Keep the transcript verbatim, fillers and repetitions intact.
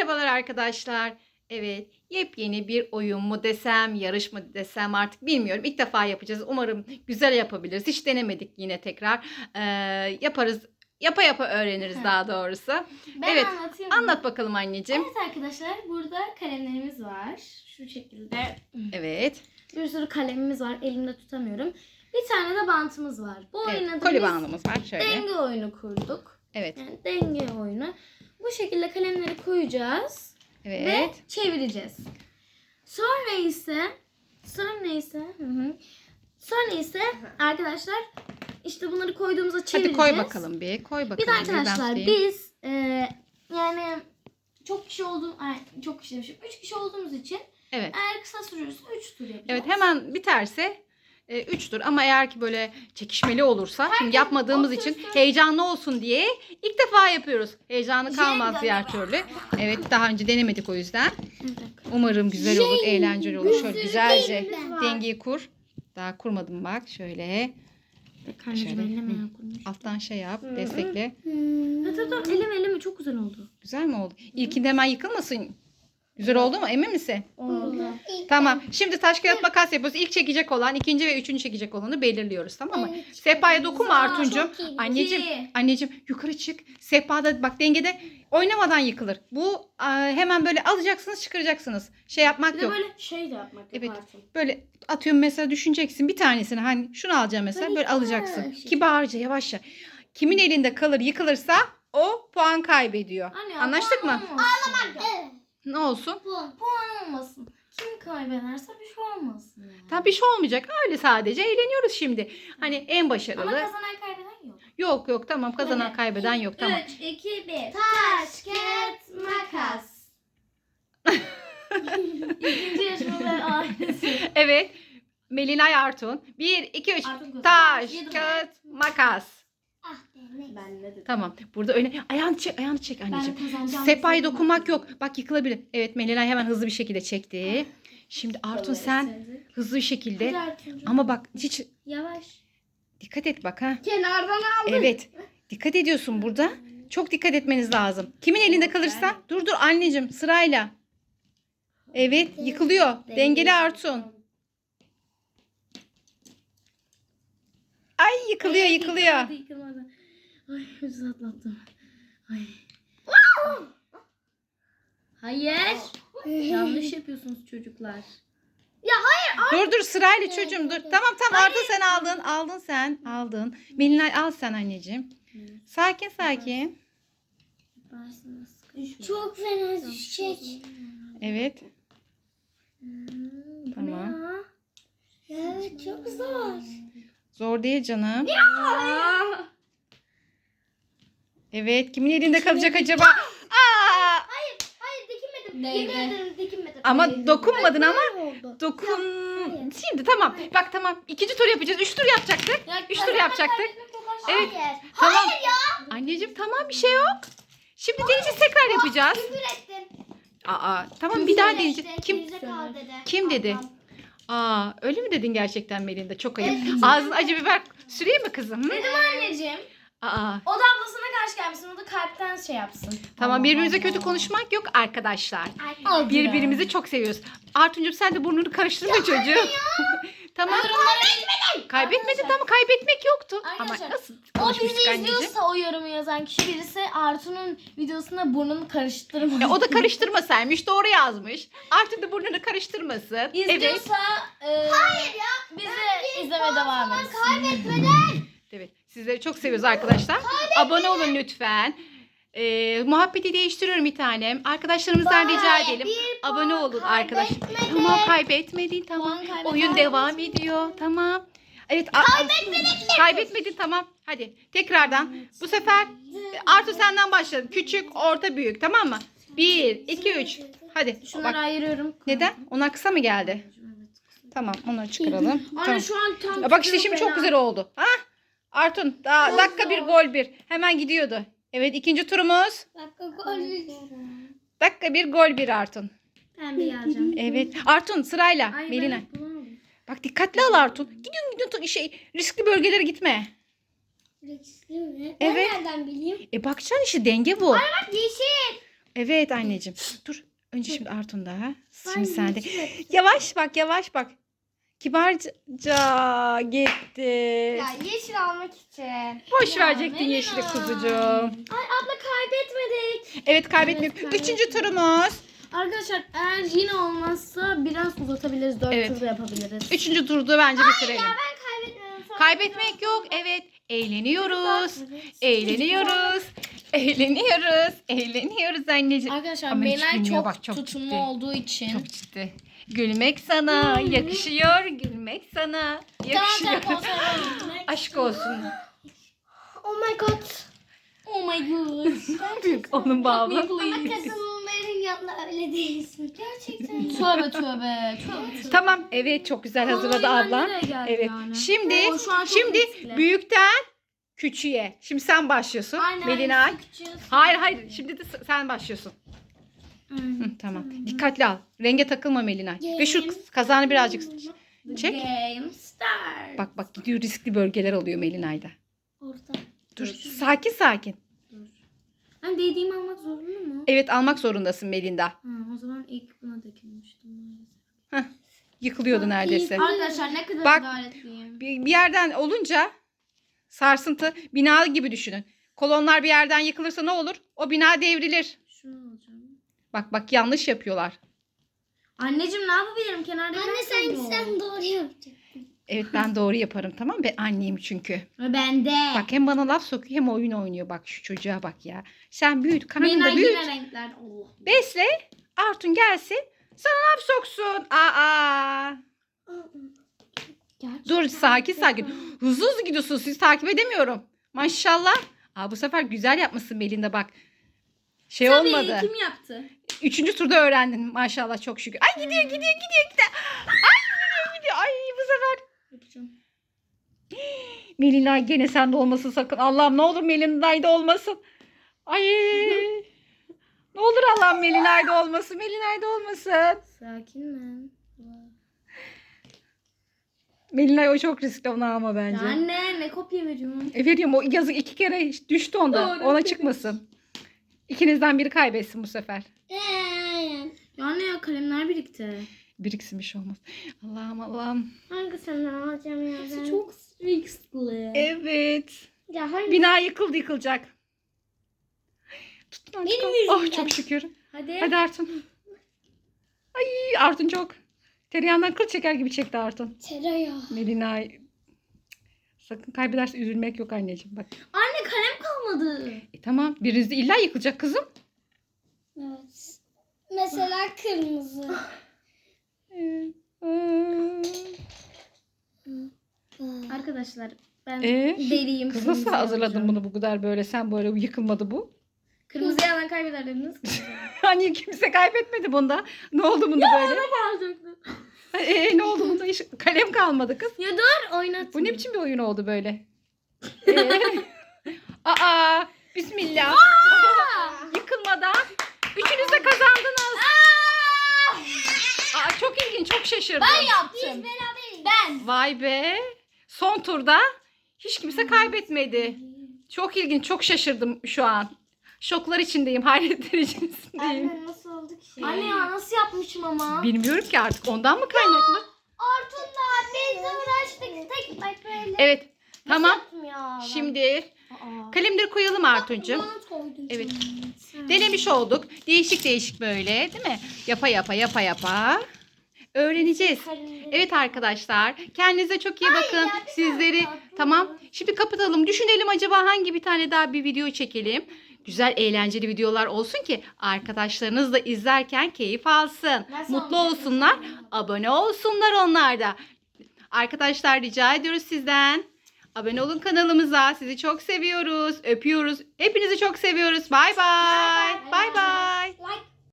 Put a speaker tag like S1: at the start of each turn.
S1: Merhabalar arkadaşlar. Evet, yepyeni bir oyun mu desem, yarış mı desem artık bilmiyorum. İlk defa yapacağız. Umarım güzel yapabiliriz. Hiç denemedik yine tekrar. Ee, yaparız. Yapa yapa öğreniriz daha doğrusu.
S2: Ben
S1: evet,
S2: anlatayım.
S1: anlat bakalım anneciğim.
S2: Evet arkadaşlar, burada kalemlerimiz var. Şu şekilde.
S1: Evet.
S2: Bir sürü kalemimiz var. Elimde tutamıyorum. Bir tane de bantımız var. Bu
S1: evet
S2: oyuna da
S1: koli
S2: biz
S1: bandımız var şöyle.
S2: denge oyunu kurduk.
S1: Evet.
S2: Yani denge oyunu. Bu şekilde kalemleri koyacağız.
S1: Evet.
S2: Ve çevireceğiz. Sonra ise sonra ise hı hı. Sonra ise arkadaşlar işte bunları koyduğumuzda çevireceğiz.
S1: Hadi koy bakalım bir. Koy bakalım.
S2: Bir de arkadaşlar
S1: bir,
S2: biz e, yani çok kişi olduğum ay, çok kişi demişim. Üç kişi olduğumuz için
S1: Evet.
S2: eğer kısa sürürse üç tur yapacağız.
S1: Evet, hemen biterse üç tur ama eğer ki böyle çekişmeli olursa
S2: Herkes
S1: şimdi yapmadığımız
S2: otursun.
S1: için heyecanlı olsun diye ilk defa yapıyoruz. Heyecanı kalmaz
S2: Jenga
S1: diğer
S2: gibi.
S1: türlü. Evet, daha önce denemedik o yüzden.
S2: Evet.
S1: Umarım güzel olur, eğlenceli olur. Şöyle güzelce
S2: şeyimiz var.
S1: dengeyi kur. Daha kurmadım bak şöyle.
S2: Karnıcı
S1: Şöyle.
S2: elleme
S1: Hı.
S2: ya kurmuş.
S1: Alttan şey yap, destekle.
S2: Evet evet eleme eleme çok güzel oldu.
S1: Güzel mi oldu? İlkinde hemen yıkılmasın. Güzel oldu mu? Emin misin?
S2: Oldu.
S1: Tamam. Şimdi taş kağıt makas yapıyoruz. İlk çekecek olan, ikinci ve üçüncü çekecek olanı belirliyoruz. Tamam mı? Sehpaya dokunma Artuncuğum. Anneciğim,
S2: İki.
S1: anneciğim yukarı çık. Sehpada bak dengede oynamadan yıkılır. Bu e, hemen böyle alacaksınız, çıkaracaksınız. Şey yapmak
S2: Bir de
S1: yok.
S2: böyle şey de yapmak
S1: Evet.
S2: yaparsın.
S1: Böyle atıyorum mesela, düşüneceksin bir tanesini, hani şunu alacağım mesela,
S2: Böyle
S1: böyle alacaksın.
S2: yavaş.
S1: Kibarca, yavaşça. Kimin elinde kalır, yıkılırsa o puan kaybediyor.
S2: Anne,
S1: Anlaştık
S2: puan
S1: mı?
S2: olmasın.
S1: Ne olsun?
S2: Puan. Puan olmasın. Kim kaybederse bir şey olmasın. Yani.
S1: Tabii bir şey olmayacak. Öyle sadece eğleniyoruz şimdi. Hani en
S2: Ama
S1: başarılı.
S2: kazanan kaybeden yok.
S1: Yok yok tamam, kazanan
S2: Hadi.
S1: kaybeden yok tamam.
S2: üç, iki, bir. Taş, kağıt, makas. İkinci yarışmalar ailesi.
S1: Evet. Melinay Artun. bir, iki, üç.
S2: Artun kazandı.
S1: Taş,
S2: Yedim.
S1: kağıt, makas.
S2: Ben ne dedim?
S1: Tamam. Burada öyle ayağını çek, ayağını çek anneciğim.
S2: Ben kazanacağım.
S1: Sehpaya dokunmak yok. Bak yıkılabilir. Evet, Melinay hemen hızlı bir şekilde çekti. Şimdi Artun sen hızlı bir şekilde. Ama bak hiç
S2: Yavaş.
S1: dikkat et bak ha.
S2: Kenardan aldım.
S1: Evet. Dikkat ediyorsun burada. Çok dikkat etmeniz lazım. Kimin elinde kalırsa. Dur dur anneciğim, sırayla. Evet, yıkılıyor. Dengeli Artun. Ay yıkılıyor, yıkılıyor.
S2: Yıkılmadı, yıkılmadı. Ay hızlı atlattım. Ay. Hayır. Yanlış yapıyorsunuz çocuklar.
S1: Dur dur sırayla çocuğum dur. Tamam tamam, Arda sen aldın. Aldın sen. Aldın. Melinay al sen anneciğim. Sakin sakin.
S2: Çok fena düşecek.
S1: Evet.
S2: Hmm,
S1: Tamam.
S2: Evet çok zor.
S1: Zor değil canım. Evet, kimin elinde kalacak acaba? Aa!
S2: Hayır dikinmedim. Yemin ederim dikinmedim.
S1: Ama dokunmadın ama.
S2: Oldu.
S1: Dokun. Şimdi tamam. Bak tamam. İkinci tur yapacağız. Üç tur yapacaktık. Üç tur yapacaktık. Evet.
S2: Hayır.
S1: Tamam.
S2: Hayır ya.
S1: Anneciğim tamam, bir şey yok. Şimdi deneyeceğiz, tekrar yapacağız.
S2: Küfür ettim.
S1: Aa tamam, bir daha deneyeceğiz. Kim
S2: Gerizekalı dedi.
S1: kim dedi?
S2: Ablam.
S1: Aa öyle mi dedin gerçekten Melinda? Çok ayıp. Ağzına acı biber süreyim mi kızım? Hı?
S2: Dedim anneciğim.
S1: Aa
S2: O da ablasına karşı gelmesin. O da kalpten şey yapsın.
S1: tamam, birbirimize kötü konuşmak yok arkadaşlar.
S2: Al
S1: Birbirimizi çok seviyoruz. Artuncuğum sen de burnunu karıştırma çocuğum. Tamam. Kaybetmedin, tamam, kaybetmek yoktu. Ama
S2: Arkadaşlar,
S1: nasıl
S2: O
S1: konuşmuştuk
S2: bizi
S1: anneciğim?
S2: izliyorsa o yorumu yazan kişi birisi Artu'nun videosunda burnunu karıştırmasın.
S1: E, o da karıştırmasaymış, doğru yazmış. Artık da burnunu karıştırmasın. Evet.
S2: İzliyorsa e, Hayır ya. Bizi izleme devam etsin. Kaybetmeden.
S1: Evet. Sizleri çok seviyoruz arkadaşlar. Abone olun lütfen. Ee, muhabbeti değiştiriyorum bir tanem. Arkadaşlarımızdan rica edelim. Abone olun arkadaşlar. Tamam, kaybetmedin tamam.
S2: Puan kaybeden
S1: Oyun devam ediyor. Tamam. Evet. Kaybetmedik. Kaybetmedin tamam. Hadi tekrardan. Bu sefer Artu senden başlayalım. Küçük, orta, büyük, tamam mı? Bir, iki, üç. Hadi.
S2: Şunları
S1: Bak.
S2: ayırıyorum.
S1: Neden? Onlar kısa mı geldi? Tamam, onları çıkaralım.
S2: Anne
S1: Tamam.
S2: şu an tam
S1: Ya bak işte
S2: tutuyor
S1: şimdi çok
S2: fena.
S1: güzel oldu. Ha? Artun daha
S2: Çok
S1: dakika bir
S2: zor.
S1: gol bir. Hemen gidiyordu. Evet, ikinci turumuz.
S2: Dakika gol.
S1: Dakika bir gol bir Artun.
S2: Ben bir alacağım.
S1: Evet. Artun sırayla.
S2: Ay,
S1: Melina.
S2: ben bulamadım.
S1: Bak dikkatli al Artun. Gidiyorsun gidiyorsun şey, riskli bölgelere gitme.
S2: Riskli mi?
S1: Evet.
S2: Ben nereden bileyim?
S1: E bakacaksın işte, denge bu.
S2: Bak yeşil.
S1: Evet anneciğim. Dur. Önce şimdi Artun'da. Ha? Şimdi
S2: Ay,
S1: sen de.
S2: yeşil.
S1: Yavaş bak yavaş bak. Kibarca gitti.
S2: Ya yeşil almak için.
S1: Boş
S2: Ya,
S1: verecektin
S2: Melina.
S1: yeşili kuzucuğum.
S2: Ay abla kaybetmedik.
S1: Evet kaybetmiyoruz.
S2: Evet,
S1: Üçüncü
S2: kaybetmedik.
S1: turumuz.
S2: Arkadaşlar eğer yine olmazsa biraz uzatabiliriz. Dört
S1: Evet.
S2: tur da yapabiliriz.
S1: Üçüncü turda bence bitirelim.
S2: Ben kaybetmiyorum. Sonra
S1: Kaybetmek
S2: biraz
S1: yok. Evet. Eğleniyoruz.
S2: Evet.
S1: Eğleniyoruz. Eğleniyoruz. Eğleniyoruz anneciğim.
S2: Arkadaşlar
S1: Ama hiç
S2: Melay
S1: bilmiyor,
S2: çok,
S1: bak, çok
S2: tutumlu
S1: ciddi.
S2: olduğu için.
S1: Çok ciddi. Gülmek sana
S2: Hmm.
S1: yakışıyor. Gülmek sana yakışıyor. Aşk olsun.
S2: Oh my god. Oh my god.
S1: Büyük onun bağlı.
S2: Kadınların yanında öyle değilsin. Gerçekten. Tövbe tövbe. Tövbe tövbe.
S1: Tamam. Evet çok güzel hazırladı
S2: Ay,
S1: ablam.
S2: nereye geldi
S1: Evet.
S2: yani?
S1: Şimdi
S2: Oo, şu an çok
S1: şimdi
S2: riskli.
S1: büyükten küçüğe. Şimdi sen başlıyorsun.
S2: Aynen,
S1: Melina.
S2: aynen.
S1: Hayır hayır. Şimdi de s- sen başlıyorsun. Hı, tamam. Dikkatli al. Renge takılma Melina. Ve şu kazanı birazcık çek.
S2: Game start.
S1: Bak bak gidiyor, riskli bölgeler oluyor Melina'yda.
S2: Orada.
S1: Dur sakin sakin.
S2: Ben dediğimi almak zorunda mı?
S1: Evet almak zorundasın Melinda.
S2: Ha, o zaman ilk buna dökülmüştüm maalesef.
S1: Heh, yıkılıyordu neredeyse.
S2: Arkadaşlar ne kadar
S1: Bak.
S2: adaletliyim.
S1: Bir, bir yerden olunca sarsıntı, bina gibi düşünün. Kolonlar bir yerden yıkılırsa ne olur? O bina devrilir.
S2: Şunu alacağım.
S1: Bak bak yanlış yapıyorlar.
S2: Anneciğim ne yapabilirim? Kenarda
S3: Anne sen sen doğru yapacaksın.
S1: Evet ben doğru yaparım tamam mı? Ben anneyim çünkü.
S2: Ben de.
S1: Bak hem bana laf sokuyor hem oyun oynuyor. Bak şu çocuğa bak ya. Sen büyüt,
S2: Benim
S1: karnında büyüt.
S2: yine renkler. Allah.
S1: Besle. Artun gelsin. Sana laf soksun. Aa. Dur sakin sakin. Hızlı hızlı gidiyorsunuz. Sizi takip edemiyorum. Maşallah. Aa, bu sefer güzel yapmışsın Belinda bak. Şey
S2: Tabii
S1: olmadı.
S2: kim yaptı?
S1: Üçüncü turda öğrendin maşallah çok şükür. Ay gidiyor gidiyor gidiyor gidiyor. Ay gidiyor gidiyor. Ay bu sefer.
S2: Yapacağım.
S1: Melina gene sende olmasın sakın. Allah'ım ne olur Melina'yda olmasın. Ay. Ne olur Allah'ım Melina'yda olmasın. Melina'yda olmasın.
S2: Sakin ben.
S1: Melina o çok riskli ona ama
S2: Ya
S1: bence.
S2: anne ne kopya veriyorsun?
S1: E veriyorum o yazık iki kere düştü onda.
S2: Doğru,
S1: Ona
S2: evet.
S1: çıkmasın. İkinizden biri kaybetsin bu sefer.
S3: Aynen.
S2: Ya anne ya kalemler birikti.
S1: Biriksin bir şey olmaz. Allah'ım Allah'ım.
S3: Hangisinden alacağım ya ben?
S2: Çok riskli.
S1: Evet.
S3: Ya hangi?
S1: Bina yıkıldı yıkılacak. Tutun
S3: Benim
S1: artık. Oh
S3: yüzümden.
S1: çok şükür.
S2: Hadi.
S1: Hadi Artun. Ay Artun çok. Tereyağından kıl çeker gibi çekti Artun.
S3: Tereyağı.
S1: Melina. Sakın kaybederse üzülmek yok anneciğim bak.
S2: Anne kalem kalmadı.
S1: E tamam biriniz de illa yıkılacak kızım.
S3: Evet. Mesela kırmızı.
S2: Arkadaşlar ben
S1: Ee,
S2: deliyim.
S1: Kız nasıl
S2: kırmızı
S1: hazırladın
S2: yapacağım.
S1: bunu bu kadar böyle? Sen böyle yıkılmadı bu.
S2: Kırmızı yalan kaybeder dediniz.
S1: Hani kimse kaybetmedi bunda. Ne oldu bunda böyle?
S2: Alacaktım.
S1: Ee, ne oldu bunda? Hiç kalem kalmadı kız.
S2: Ya dur oynat.
S1: Bu ne biçim bir oyun oldu böyle? Ee, aa, bismillah. Yıkılmadan üçünüz de kazandınız. Aa, çok ilginç, çok şaşırdım.
S2: Ben yaptım. Ben.
S1: Vay be. Son turda hiç kimse kaybetmedi. Çok ilginç, çok şaşırdım şu an. Şoklar içindeyim, hayretler içindeyim.
S3: Anne nasıl oldu ki?
S2: Anne ya nasıl yapmışım ama?
S1: Bilmiyorum ki artık ondan mı kaynaklı?
S3: Artun'la biz de uğraştık. Tek bak böyle.
S1: Evet, tamam.
S3: Yaptım ya ben.
S1: Şimdi
S2: Aa.
S1: kalemleri koyalım Artuncuğum.
S3: Bana koydun.
S1: Evet.
S3: Sen.
S1: Denemiş olduk. Değişik değişik böyle değil mi? Yapa yapa yapa yapa. Öğreneceğiz.
S3: Kalemleri-
S1: Evet arkadaşlar. Kendinize çok iyi bakın.
S3: ya, bir
S1: Sizleri
S3: dakika.
S1: tamam. Şimdi kapatalım. Düşünelim acaba hangi bir tane daha bir video çekelim. Güzel eğlenceli videolar olsun ki arkadaşlarınız da izlerken keyif alsın.
S3: Nasıl
S1: Mutlu
S3: olacak?
S1: olsunlar. Abone olsunlar onlar da. Arkadaşlar rica ediyoruz sizden. Abone olun kanalımıza. Sizi çok seviyoruz. Öpüyoruz. Hepinizi çok seviyoruz. Bay bay. Bay bay.
S3: Like